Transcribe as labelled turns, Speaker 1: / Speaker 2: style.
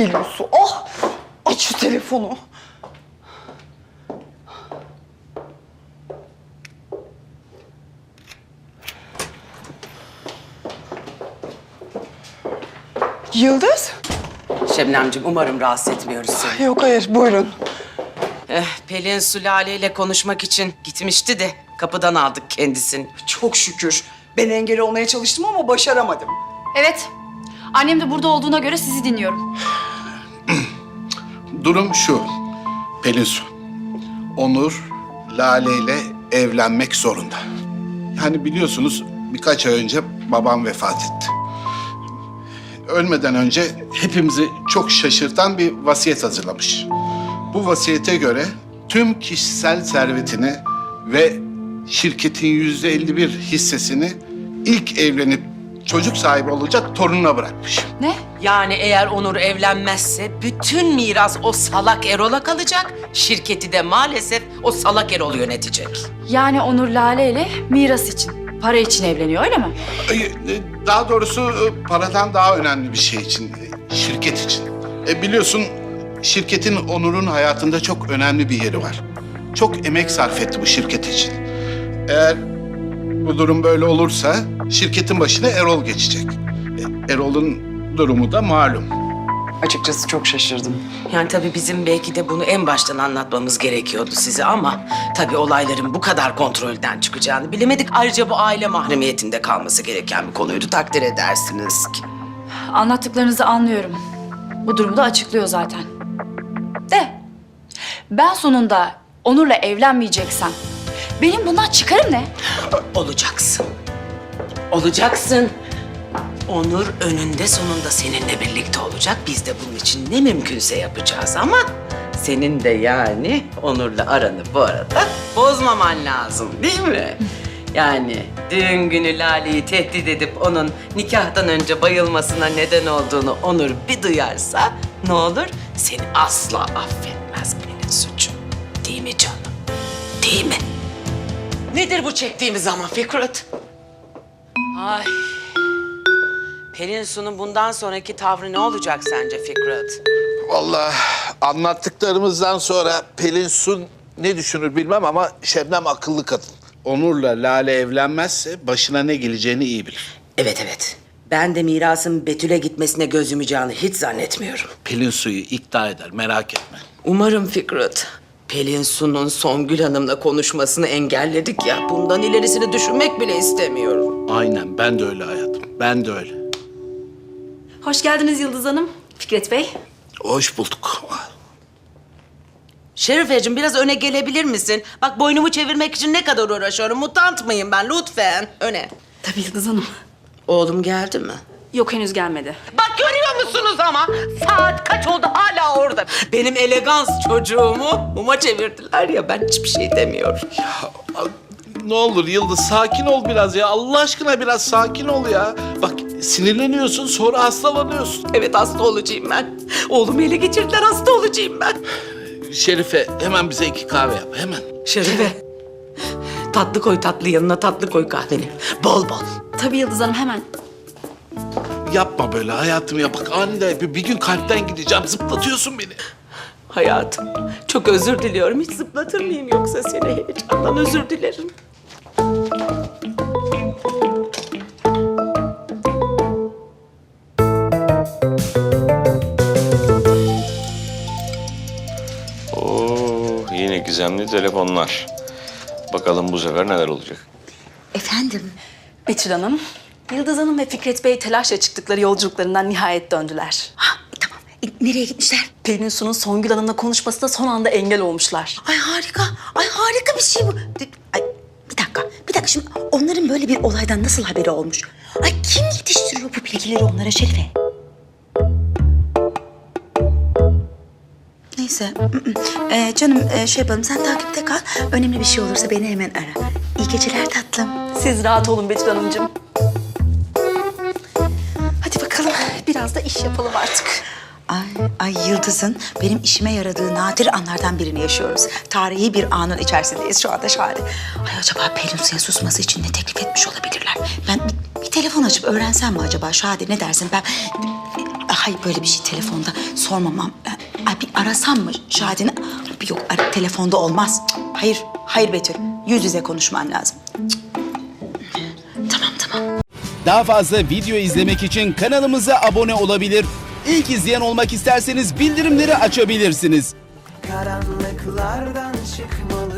Speaker 1: Pelin Su. Ah! Aç şu telefonu. Yıldız?
Speaker 2: Şebnemciğim umarım rahatsız etmiyoruz seni.
Speaker 1: Yok hayır buyurun.
Speaker 2: Pelin Sülale ile konuşmak için gitmişti de kapıdan aldık kendisini.
Speaker 1: Çok şükür. Ben engel olmaya çalıştım ama başaramadım.
Speaker 3: Evet. Annem de burada olduğuna göre sizi dinliyorum.
Speaker 4: Durum şu, Pelin Su. Onur, Lale ile evlenmek zorunda. Yani biliyorsunuz birkaç ay önce babam vefat etti. Ölmeden önce hepimizi çok şaşırtan bir vasiyet hazırlamış. Bu vasiyete göre tüm kişisel servetini ve şirketin %51 hissesini ilk evlenip çocuk sahibi olacak torununa bırakmış.
Speaker 3: Ne?
Speaker 2: Yani eğer Onur evlenmezse bütün miras o salak Erol'a kalacak. Şirketi de maalesef o salak Erol yönetecek.
Speaker 3: Yani Onur Lale ile miras için, para için evleniyor öyle mi?
Speaker 4: Daha doğrusu paradan daha önemli bir şey için, şirket için. Biliyorsun şirketin Onur'un hayatında çok önemli bir yeri var. Çok emek sarf etti bu şirket için. Eğer bu durum böyle olursa şirketin başına Erol geçecek. Erol'un durumu da malum.
Speaker 1: Açıkçası çok şaşırdım.
Speaker 2: Yani tabii bizim belki de bunu en baştan anlatmamız gerekiyordu size ama tabii olayların bu kadar kontrolden çıkacağını bilemedik. Ayrıca bu aile mahremiyetinde kalması gereken bir konuydu, takdir edersiniz ki.
Speaker 3: Anlattıklarınızı anlıyorum. Bu durumu da açıklıyor zaten. De, ben sonunda Onur'la evlenmeyeceksem benim bundan çıkarım ne?
Speaker 2: Olacaksın. Olacaksın. Onur önünde sonunda seninle birlikte olacak. Biz de bunun için ne mümkünse yapacağız ama senin de yani Onur'la aranı bu arada bozmaman lazım değil mi? Yani düğün günü Lale'yi tehdit edip onun nikahtan önce bayılmasına neden olduğunu Onur bir duyarsa ne olur? Seni asla affetmez Pelin suçu. Değil mi canım? Değil mi? Nedir bu çektiğimiz zaman Fikret? Ay. Pelin Su'nun bundan sonraki tavrı ne olacak sence Fikret?
Speaker 5: Vallahi anlattıklarımızdan sonra Pelin Su ne düşünür bilmem ama Şebnem akıllı kadın.
Speaker 4: Onur'la Lale evlenmezse başına ne geleceğini iyi bilir.
Speaker 2: Evet. Ben de mirasın Betül'e gitmesine göz yumacağını hiç zannetmiyorum.
Speaker 4: Pelin Su'yu ikna eder, merak etme.
Speaker 2: Umarım Fikret. Pelin Su'nun Songül Hanım'la konuşmasını engelledik ya. Bundan ilerisini düşünmek bile istemiyorum.
Speaker 4: Aynen, ben de öyle hayatım, ben de öyle.
Speaker 3: Hoş geldiniz Yıldız Hanım, Fikret Bey.
Speaker 4: Hoş bulduk.
Speaker 2: Şerifeciğim biraz öne gelebilir misin? Bak boynumu çevirmek için ne kadar uğraşıyorum. Mutant mıyım ben? Lütfen öne.
Speaker 6: Tabii Yıldız Hanım.
Speaker 2: Oğlum geldi mi?
Speaker 6: Yok henüz gelmedi.
Speaker 2: Bak görüyor musunuz ama? Saat kaç oldu hala orada. Benim elegans çocuğumu muma çevirdiler ya ben hiçbir şey demiyorum.
Speaker 4: Ne olur Yıldız, sakin ol biraz ya. Allah aşkına biraz sakin ol ya. Bak sinirleniyorsun, sonra hastalanıyorsun.
Speaker 2: Evet hasta olacağım ben. Oğlumu ele geçirdiler hasta olacağım ben.
Speaker 4: Şerife, hemen bize 2 kahve yap, hemen.
Speaker 2: Şerife. Tatlı koy tatlı yanına tatlı koy kahveni. Bol bol.
Speaker 6: Tabii Yıldız Hanım hemen.
Speaker 4: Yapma böyle hayatım ya. Bak aniden bir gün kalpten gideceğim. Zıplatıyorsun beni.
Speaker 2: Hayatım çok özür diliyorum. Hiç zıplatır mıyım yoksa seni heyecandan özür dilerim.
Speaker 7: Oo, yine gizemli telefonlar. Bakalım bu sefer neler olacak.
Speaker 6: Efendim? Betül Hanım, Yıldız Hanım ve Fikret Bey telaşla çıktıkları yolculuklarından nihayet döndüler.
Speaker 8: Tamam. Nereye gitmişler?
Speaker 6: Pelin Su'nun Songül Hanım'la konuşmasına son anda engel olmuşlar.
Speaker 8: Ay harika. Ay harika bir şey bu. Ay bir dakika. Bir dakika şimdi onların böyle bir olaydan nasıl haberi olmuş? Ay kim yetiştiriyor bu bilgileri onlara Şerife? Neyse. Canım şey yapalım sen takipte kal. Önemli bir şey olursa beni hemen ara. İyi geceler tatlım.
Speaker 6: Siz rahat olun Betül Hanımcığım. Hadi bakalım biraz da iş yapalım artık.
Speaker 8: Ay Yıldız'ın benim işime yaradığı nadir anlardan birini yaşıyoruz. Tarihi bir anın içerisindeyiz şu anda Şadi. Ay acaba Pelin Su'ya susması için ne teklif etmiş olabilirler? Ben bir telefon açıp öğrensem mi acaba Şadi ne dersin? Ben Hay böyle bir şey telefonda sormamam. Ay bir arasam mı Şadi'ni? Yok telefonda olmaz. Cık, hayır, hayır Betül. Yüz yüze konuşman lazım. Cık. Tamam.
Speaker 9: Daha fazla video izlemek için kanalımıza abone olabilir. İlk izleyen olmak isterseniz bildirimleri açabilirsiniz.
Speaker 10: Karanlıklardan çıkmalı